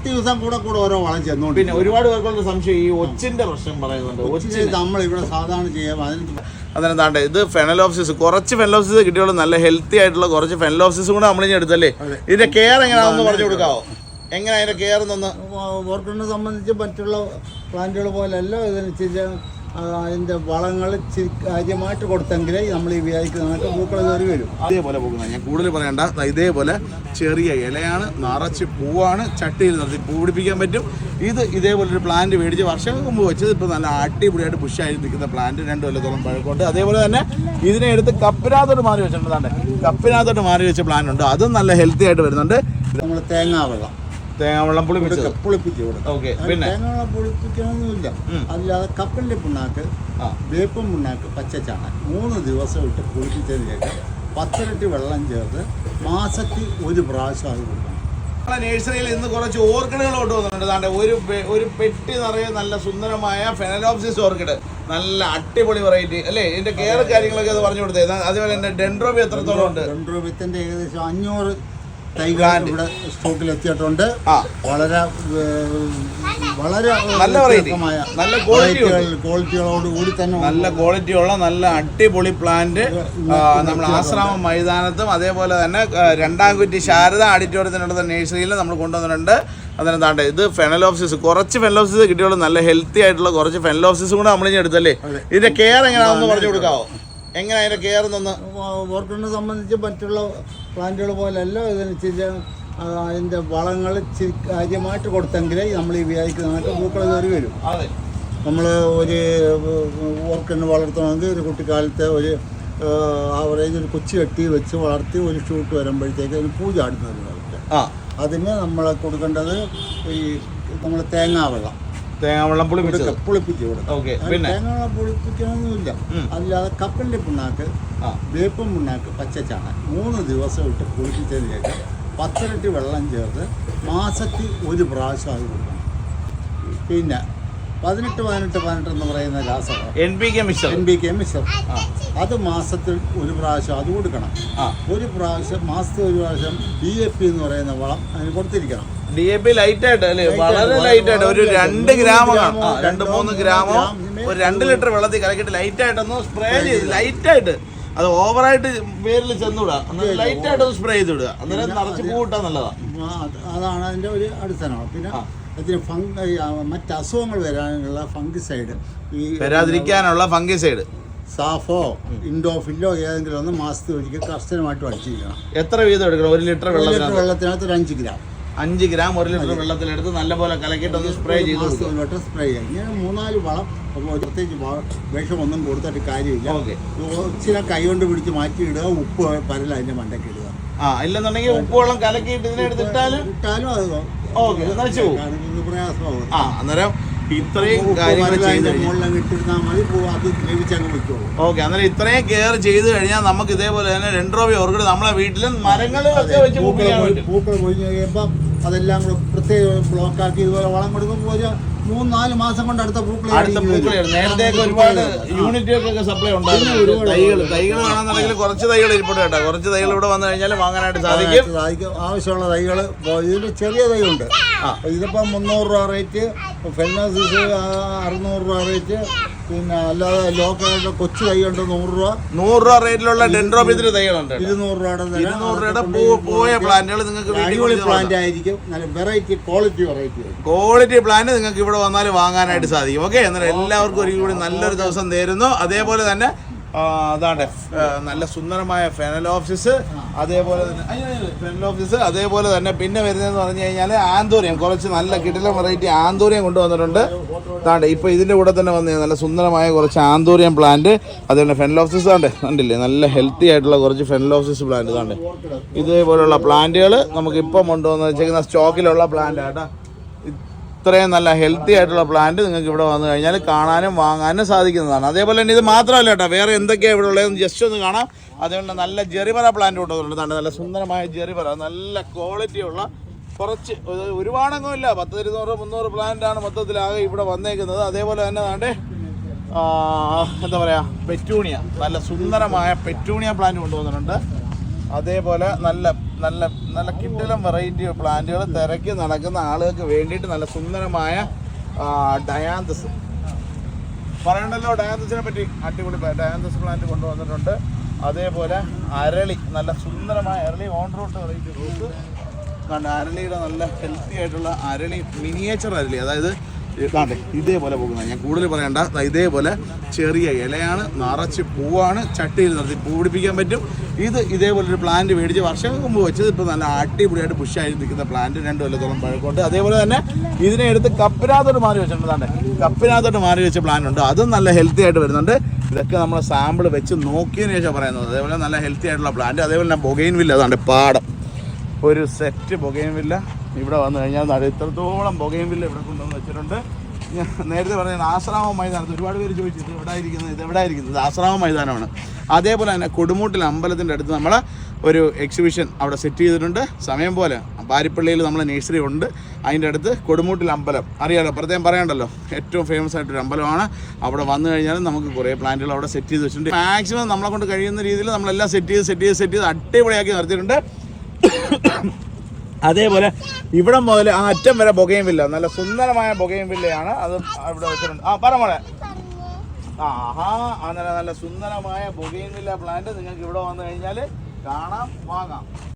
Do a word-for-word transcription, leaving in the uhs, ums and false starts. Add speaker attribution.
Speaker 1: പത്ത് ദിവസം കൂടെ കൂടെ ഓരോ വളം ചെന്നോണ്ട്.
Speaker 2: പിന്നെ ഒരുപാട് പേർക്കുള്ള സംശയം ഈ ഒച്ചിന്റെ പ്രശ്നം പറയുന്നുണ്ട്. ഒച്ചിന്
Speaker 1: നമ്മളിവിടെ സാധാരണ ചെയ്യാം. അതിന്
Speaker 2: അതെന്താണ്ട് ഇത് ഫെനലോപ്സിസ്, കുറച്ച് ഫെനലോപ്സിസ് കിട്ടിയോളൂ. നല്ല ഹെൽത്തി ആയിട്ടുള്ള കുറച്ച് ഫെനലോപ്സിസ് കൂടെ നമ്മളിനി എടുത്തല്ലേ. ഇതിന്റെ കെയർ എങ്ങനെയാണെന്ന് പറഞ്ഞു കൊടുക്കാവോ? എങ്ങനെ അതിന്റെ കെയർ എന്നൊന്ന്?
Speaker 1: ഓർക്കിഡിനെ സംബന്ധിച്ച് മറ്റുള്ള പ്ലാന്റുകൾ പോലെയല്ല. ഇതിനനുസരിച്ച് അതിൻ്റെ വളങ്ങൾ കാര്യമായിട്ട് കൊടുത്തെങ്കിലേ നമ്മൾ ഈ വിചാരിക്കുന്നതൊക്കെ പൂക്കൾ കയറി വരും.
Speaker 2: അതേപോലെ പോകുന്നത് ഞാൻ കൂടുതൽ പറയണ്ട. ഇതേപോലെ ചെറിയ ഇലയാണ്, നിറച്ച് പൂവാണ്, ചട്ടിയിൽ നിർത്തി പൂ പിടിപ്പിക്കാൻ പറ്റും. ഇത് ഇതേപോലെ ഒരു പ്ലാന്റ് മേടിച്ച് വർഷങ്ങൾക്ക് മുമ്പ് വെച്ചത് ഇപ്പോൾ നല്ല അടിപൊളിയായിട്ട് പുഷായി നിൽക്കുന്ന പ്ലാന്റ്, രണ്ട് കൊല്ലത്തോളം പഴക്കമുണ്ട്. അതേപോലെ തന്നെ ഇതിനെ എടുത്ത് കപ്പിനകത്തോട്ട് മാറി വെച്ചിട്ടുണ്ട്. കപ്പിനകത്തോട്ട് മാറി വെച്ച പ്ലാന്റ് ഉണ്ട്, അതും നല്ല ഹെൽത്തി ആയിട്ട് വരുന്നുണ്ട്.
Speaker 1: നമ്മൾ തേങ്ങാ വെള്ളം
Speaker 2: തേങ്ങാവെള്ളം പുളിപ്പിച്ച്
Speaker 1: പുളിപ്പിച്ച് കൊടുക്കും.
Speaker 2: ഓക്കെ. പിന്നെ
Speaker 1: തേങ്ങാവെള്ളം പുളിപ്പിക്കണമെന്നില്ല. അല്ലാതെ കപ്പലിൻ്റെ പിണ്ണാക്ക്, വേപ്പും പിണ്ണാക്ക്, പച്ചച്ചാണൻ മൂന്ന് ദിവസം ഇട്ട് പുളിപ്പിച്ചതിന് ശേഷം പത്തിരട്ടി വെള്ളം ചേർത്ത് മാസത്തിൽ ഒരു പ്രാവശ്യം അത് കൊടുക്കണം.
Speaker 2: നഴ്സറിയിൽ ഇന്ന് കുറച്ച് ഓർക്കിഡുകൾ കൊണ്ട് വന്നിട്ടുണ്ട്. ഒരു ഒരു പെട്ടി നിറയെ നല്ല സുന്ദരമായ ഫെനലോപ്സിസ് ഓർക്കിഡ്, നല്ല അടിപൊളി വെറൈറ്റി അല്ലേ. ഇതിന്റെ കെയർ കാര്യങ്ങളൊക്കെ അത് പറഞ്ഞു കൊടുത്തത്. അതുപോലെ തന്നെ ഡെൻഡ്രോബി എത്രത്തോളം ഉണ്ട്?
Speaker 1: ഡെൻഡ്രോബിയത്തിന്റെ ഏകദേശം അഞ്ഞൂറ് തൈകൾ ഇവിടെ സ്റ്റോക്കിൽ എത്തിയിട്ടുണ്ട്. വളരെ വളരെ
Speaker 2: നല്ല നല്ല
Speaker 1: ക്വാളിറ്റികളോട് കൂടി തന്നെ
Speaker 2: നല്ല ക്വാളിറ്റിയുള്ള നല്ല അടിപൊളി പ്ലാന്റ് നമ്മൾ ആശ്രാമം മൈതാനത്തും അതേപോലെ തന്നെ രണ്ടാം കുറ്റി ശാരദ ഓഡിറ്റോറിയത്തിനുള്ള നഴ്സറിയിൽ നമ്മൾ കൊണ്ടുവന്നിട്ടുണ്ട്. അതിനെന്താണ്ട് ഇത് ഫെനലോപ്സിസ്, കുറച്ച് ഫെനലോപ്സിസ് കിട്ടിയുള്ളൂ. നല്ല ഹെൽത്തി ആയിട്ടുള്ള കുറച്ച് ഫെനലോപ്സിസും കൂടെ നമ്മളിനി എടുത്തല്ലേ. ഇതിന്റെ കെയർ എങ്ങനെയാണെന്ന് പറഞ്ഞു കൊടുക്കാവോ? എങ്ങനെ അതിന്റെ കെയർ എന്നൊന്ന്?
Speaker 1: ഓർക്കിഡിനെ സംബന്ധിച്ച് മറ്റുള്ള പ്ലാന്റുകൾ പോലെയല്ല. ഇതിനനുസരിച്ച് അതിൻ്റെ വളങ്ങൾ കാര്യമായിട്ട് കൊടുത്തെങ്കിലേ നമ്മൾ ഈ വിചാരിക്കുന്നതൊക്കെ പൂക്കൾ കയറി വരും. നമ്മൾ ഒരു ഓർക്കിഡിനെ വളർത്തണമെങ്കിൽ ഒരു കുട്ടിക്കാലത്തെ ഒരു ആവറേജ് ഒരു കൊച്ചു കെട്ടി വെച്ച് വളർത്തി ഒരു ഷൂട്ട് വരുമ്പോഴത്തേക്ക് അതിന് പൂ ചാടുന്നതിനായിട്ട് അതിന് നമ്മൾ കൊടുക്കേണ്ടത് ഈ നമ്മൾ തേങ്ങാവെള്ളം
Speaker 2: തേങ്ങാവെള്ളം പുളിപ്പിച്ച്
Speaker 1: പുളിപ്പിച്ച് കൊടുക്കും. തേങ്ങാവെള്ളം പുളിപ്പിക്കണമെന്നില്ല. അല്ലാതെ കപ്പലിൻ്റെ പിണ്ണാക്ക്, വേപ്പും പിണ്ണാക്ക്, പച്ചച്ചാണൻ മൂന്ന് ദിവസം ഇട്ട് പുളിപ്പിച്ചതിന് ശേഷം പത്തിരട്ടി വെള്ളം ചേർത്ത് മാസത്തിൽ ഒരു പ്രാവശ്യം അത് കൊടുക്കണം. പിന്നെ പതിനെട്ട് പതിനെട്ട് പതിനെട്ട് എന്ന് പറയുന്ന രാസവളം
Speaker 2: N P K mixer
Speaker 1: N P K mixer അത് മാസത്തിൽ ഒരു പ്രാവശ്യം അത് കൊടുക്കണം. ഒരു പ്രാവശ്യം മാസത്തിൽ ഒരു പ്രാവശ്യം ഡി എ പി എന്ന് പറയുന്ന വളം അതിന് കൊടുത്തിരിക്കണം.
Speaker 2: ഡി എ പി ലൈറ്റ് ആയിട്ട് അല്ലേ, വളരെ ലൈറ്റ് ആയിട്ട് ഒരു രണ്ട് ഗ്രാമോ രണ്ട് മൂന്ന് ഗ്രാമോ ഒരു രണ്ട് ലിറ്റർ വെള്ളത്തിൽ കലക്കിയിട്ട് ലൈറ്റ് ആയിട്ടൊന്ന് സ്പ്രേ ചെയ്ത് ലൈറ്റ് ആയിട്ട്, അത് ഓവറായിട്ട് പേരിൽ ചെന്നുവിടുക, ലൈറ്റ് ആയിട്ടൊന്ന് സ്പ്രേ ചെയ്ത് വിടുക. അന്നേരം നിറച്ച് പൂ കിട്ടാൻ നല്ലതാണ്.
Speaker 1: അതാണ് അതിൻ്റെ ഒരു അടിസ്ഥാനം. പിന്നെ അതിന് ഫംഗ മറ്റ് അസുഖങ്ങൾ വരാനുള്ള ഫംഗിസൈഡ്, ഈ
Speaker 2: വരാതിരിക്കാനുള്ള ഫംഗിസൈഡ്
Speaker 1: സാഫോ ഇൻഡോഫില്ലോ ഏതെങ്കിലും ഒന്ന് മാസത്തിൽ ഒരിക്കൽ കർശനമായിട്ടും അടിച്ചിരിക്കണം.
Speaker 2: എത്ര വീതം എടുക്കണം? ഒരു ലിറ്റർ വെള്ളത്തിൽ
Speaker 1: വെള്ളത്തിനകത്ത് ഒരു അഞ്ച് ഗ്രാം
Speaker 2: അഞ്ച് ഗ്രാം ഒരു ലിറ്റർ വെള്ളത്തിലെടുത്ത് നല്ലപോലെ കലക്കിയിട്ട് ഒന്ന് സ്പ്രേ ചെയ്ത്
Speaker 1: സ്പ്രേ ചെയ്യാം. ഇങ്ങനെ മൂന്നാല് വളം പ്രത്യേകിച്ച് വിഷമൊന്നും കൊടുത്തിട്ട് കാര്യമില്ല. ഇച്ചിരി കൈ കൊണ്ട് പിടിച്ച് മാറ്റി ഇടുക, ഉപ്പ് പരല അതിൻ്റെ മണ്ടയ്ക്ക് ഇടുക.
Speaker 2: ആ ഇല്ലെന്നുണ്ടെങ്കിൽ ഉപ്പ് വെള്ളം കലക്കിയിട്ട് ഇതിനെടുത്തിട്ടാലും
Speaker 1: ഇട്ടാലും അത്
Speaker 2: ഓക്കെ നശിച്ചു പോകും.
Speaker 1: പ്രയാസമാകും.
Speaker 2: ആ അന്നേരം ഇത്രയും കാര്യങ്ങൾ ചെയ്ത് ഓക്കെ അന്നേരം ഇത്രയും കെയർ ചെയ്ത് കഴിഞ്ഞാൽ നമുക്ക് ഇതേപോലെ തന്നെ ഡെൻഡ്രോബി ഓർക്കിഡ് നമ്മളെ വീട്ടിലും മരങ്ങളൊക്കെ വെച്ച്
Speaker 1: പൂക്കൾ പൊഴിഞ്ഞ് കഴിയുമ്പോൾ അതെല്ലാം കൂടെ പ്രത്യേക ബ്ലോക്കാക്കി ഇതുപോലെ വളം കൊടുക്കുമ്പോൾ ഒരു മൂന്ന് നാല് മാസം കൊണ്ട് അടുത്ത പൂക്കൾ
Speaker 2: നേരത്തെ ഒരുപാട് യൂണിറ്റുകൾക്കൊക്കെ സപ്ലൈ ഉണ്ടായിരുന്നു. തൈകൾ തൈകൾ വേണമെന്നുണ്ടെങ്കിൽ കുറച്ച് തൈകൾ ഇരിപ്പുണ്ട് കേട്ടോ. കുറച്ച് തൈകൾ ഇവിടെ വന്നു കഴിഞ്ഞാൽ വാങ്ങാനായിട്ട് സാധിക്കും.
Speaker 1: സാധിക്കും ആവശ്യമുള്ള തൈകൾ. ഇതിൽ ചെറിയ തൈയുണ്ട്. ഇതിപ്പോൾ മുന്നൂറ് രൂപ റേറ്റ്, ഫെനോസിസ് അറുന്നൂറ് രൂപ റേറ്റ്, പിന്നെ അല്ലാതെ ലോക്കലായിട്ട് കൊച്ചു തൈയുണ്ട് നൂറ് രൂപ
Speaker 2: നൂറ് രൂപ റേറ്റിലുള്ള ഡെൻഡ്രോബിയത്തിന്റെ തൈകളുണ്ട്.
Speaker 1: ഇരുന്നൂറ് രൂപയുടെ
Speaker 2: ഇരുന്നൂറ് രൂപയുടെ പോയ പ്ലാന്റുകൾ നിങ്ങൾക്ക്
Speaker 1: അടിപൊളി പ്ലാന്റ് ആയിരിക്കും. നല്ല variety quality variety
Speaker 2: quality plant നിങ്ങൾക്ക് ഇവിടെ വന്നാൽ വാങ്ങാനായിട്ട് സാധിക്കും. ഓക്കെ എന്നാൽ എല്ലാവർക്കും ഒരു കൂടി നല്ലൊരു ദിവസം നേരുന്നു. അതേപോലെ തന്നെ അതാണ് നല്ല സുന്ദരമായ ഫെനലോപ്സിസ്, അതേപോലെ തന്നെ ഫെനലോപ്സിസ് അതേപോലെ തന്നെ പിന്നെ വരുന്നതെന്ന് പറഞ്ഞു കഴിഞ്ഞാൽ ആന്തൂറിയം, കുറച്ച് നല്ല കിടിലൻ വെറൈറ്റി ആന്തൂറിയം കൊണ്ടുവന്നിട്ടുണ്ട്. അതാണ്ട് ഇപ്പോൾ ഇതിൻ്റെ കൂടെ തന്നെ വന്ന് നല്ല സുന്ദരമായ കുറച്ച് ആന്തൂറിയം പ്ലാന്റ്, അതുപോലെ ഫെനലോപ്സിസ് ആണ് കണ്ടില്ലേ, നല്ല ഹെൽത്തി ആയിട്ടുള്ള കുറച്ച് ഫെനലോപ്സിസ് പ്ലാന്റ് ഇതാണ്ട്. ഇതേപോലുള്ള പ്ലാന്റുകൾ നമുക്കിപ്പം കൊണ്ടുവന്ന് വെച്ചേക്കുന്ന സ്റ്റോക്കിലുള്ള പ്ലാന്റ് ആട്ടോ. ഇത്രയും നല്ല ഹെൽത്തി ആയിട്ടുള്ള പ്ലാന്റ് നിങ്ങൾക്ക് ഇവിടെ വന്നു കഴിഞ്ഞാൽ കാണാനും വാങ്ങാനും സാധിക്കുന്നതാണ്. അതേപോലെ തന്നെ ഇത് മാത്രമല്ല കേട്ടോ, വേറെ എന്തൊക്കെയാണ് ഇവിടെ ഉള്ളതെന്ന് ജസ്റ്റ് ഒന്ന് കാണാം. അതുകൊണ്ട് നല്ല ജെറിബറ പ്ലാന്റ് കൊണ്ടുവന്നിട്ടുണ്ട്. നല്ല സുന്ദരമായ ജെറിബറ, നല്ല ക്വാളിറ്റിയുള്ള കുറച്ച് ഒരുപാടൊന്നും ഇല്ല, പത്ത് ഇരുന്നൂറ് മുന്നൂറ് പ്ലാന്റാണ് മൊത്തത്തിലാകെ ഇവിടെ വന്നേക്കുന്നത്. അതേപോലെ തന്നെ വേണ്ടേ എന്താ പറയുക, പെറ്റൂണിയ, നല്ല സുന്ദരമായ പെറ്റൂണിയ പ്ലാന്റ് കൊണ്ടുവന്നിട്ടുണ്ട്. അതേപോലെ നല്ല നല്ല നല്ല കിട്ടിലും വെറൈറ്റി പ്ലാന്റുകൾ തിരക്കി നടക്കുന്ന ആളുകൾക്ക് വേണ്ടിയിട്ട് നല്ല സുന്ദരമായ ഡയാന്തസ് പറയണ്ടല്ലോ. ഡയാന്തസിനെ പറ്റി അടിപൊളി ഡയാന്തസ് പ്ലാന്റ് കൊണ്ടുവന്നിട്ടുണ്ട്. അതേപോലെ അരളി, നല്ല സുന്ദരമായ അരളി ഓൺ റൂട്ട് വെറൈറ്റി റൂട്ട് കണ്ട അരളിയുടെ നല്ല ഹെൽത്തി ആയിട്ടുള്ള അരളി, മിനിയേച്ചർ അരളി, അതായത് ഇതാണ്ടെ ഇതേപോലെ പോകുന്നത്. ഞാൻ കൂടുതൽ പറയണ്ട, ഇതേപോലെ ചെറിയ ഇലയാണ്, നിറച്ച് പൂവാണ്, ചട്ടിയിൽ നിർത്തി പൂ പിടിപ്പിക്കാൻ പറ്റും. ഇത് ഇതേപോലൊരു പ്ലാന്റ് മേടിച്ച് വർഷങ്ങൾക്ക് മുമ്പ് വെച്ചത് ഇപ്പോൾ നല്ല അടിപൊളിയായിട്ട് പുഷായി നിൽക്കുന്ന പ്ലാന്റ്, രണ്ട് കൊല്ലത്തോളം പഴക്കമുണ്ട്. അതേപോലെ തന്നെ ഇതിനെ എടുത്ത് കപ്പിനകത്തോട്ട് മാറി വെച്ചിട്ടുണ്ട്. കപ്പിനകത്തോട്ട് മാറി വെച്ച പ്ലാന്റ് ഉണ്ട്, അതും നല്ല ഹെൽത്തി ആയിട്ട് വരുന്നുണ്ട്. ഇതൊക്കെ നമ്മൾ സാമ്പിൾ വെച്ച് നോക്കിയതിന് ശേഷം പറയുന്നത്. അതേപോലെ നല്ല ഹെൽത്തി ആയിട്ടുള്ള പ്ലാന്റ്. അതേപോലെ തന്നെ ബൊഗൈൻ വില്ല, അതാണ്ട് പാടം ഒരു സെറ്റ് ബൊഗൈൻ വില്ല ഇവിടെ വന്നു കഴിഞ്ഞാൽ ഇത്രത്തോളം ബൊഗൈൻ വില്ല ഇവിടെ കൊണ്ടുവന്ന് വെച്ചിട്ടുണ്ട്. ഞാൻ നേരത്തെ പറഞ്ഞ ആശ്രാമം മൈതാനത്ത് ഒരുപാട് പേര് ചോദിച്ചു ഇത് എവിടെ ഇരിക്കുന്നത്, ഇത് എവിടെ ഇരിക്കുന്നത്. ഇത് ആശ്രാമം മൈതാനമാണ്. അതേപോലെ തന്നെ കൊടുമൂട്ടിൽ അമ്പലത്തിൻ്റെ അടുത്ത് നമ്മൾ ഒരു എക്സിബിഷൻ അവിടെ സെറ്റ് ചെയ്തിട്ടുണ്ട്. സമയം പോലെ പാരിപ്പള്ളിയിൽ നമ്മളെ നേഴ്സറി ഉണ്ട്, അതിൻ്റെ അടുത്ത് കൊടുമൂട്ടിൽ അമ്പലം അറിയാലോ, പ്രത്യേകം പറയണ്ടല്ലോ, ഏറ്റവും ഫേമസ് ആയിട്ടൊരു അമ്പലമാണ്. അവിടെ വന്നു കഴിഞ്ഞാൽ നമുക്ക് കുറേ പ്ലാന്റുകൾ അവിടെ സെറ്റ് ചെയ്ത് വെച്ചിട്ടുണ്ട്. മാക്സിമം നമ്മളെ കൊണ്ട് കഴിയുന്ന രീതിയിൽ നമ്മളെല്ലാം സെറ്റ് ചെയ്ത് സെറ്റ് ചെയ്ത് സെറ്റ് ചെയ്ത് അടിപൊളിയാക്കി നിർത്തിയിട്ടുണ്ട്. അതേപോലെ ഇവിടെ മുതൽ ആ അറ്റം വരെ ബൊഗൈൻ വില്ല, നല്ല സുന്ദരമായ ബൊഗൈൻ വില്ലയാണ്. അത് ഇവിടെ വെച്ചിട്ടുണ്ട്. ആ പറ മോളെ. ആ ഹാ അങ്ങനെ നല്ല സുന്ദരമായ ബൊഗൈൻ വില്ല പ്ലാന്റ് നിങ്ങൾക്ക് ഇവിടെ വന്നു കഴിഞ്ഞാൽ കാണാം, വാങ്ങാം.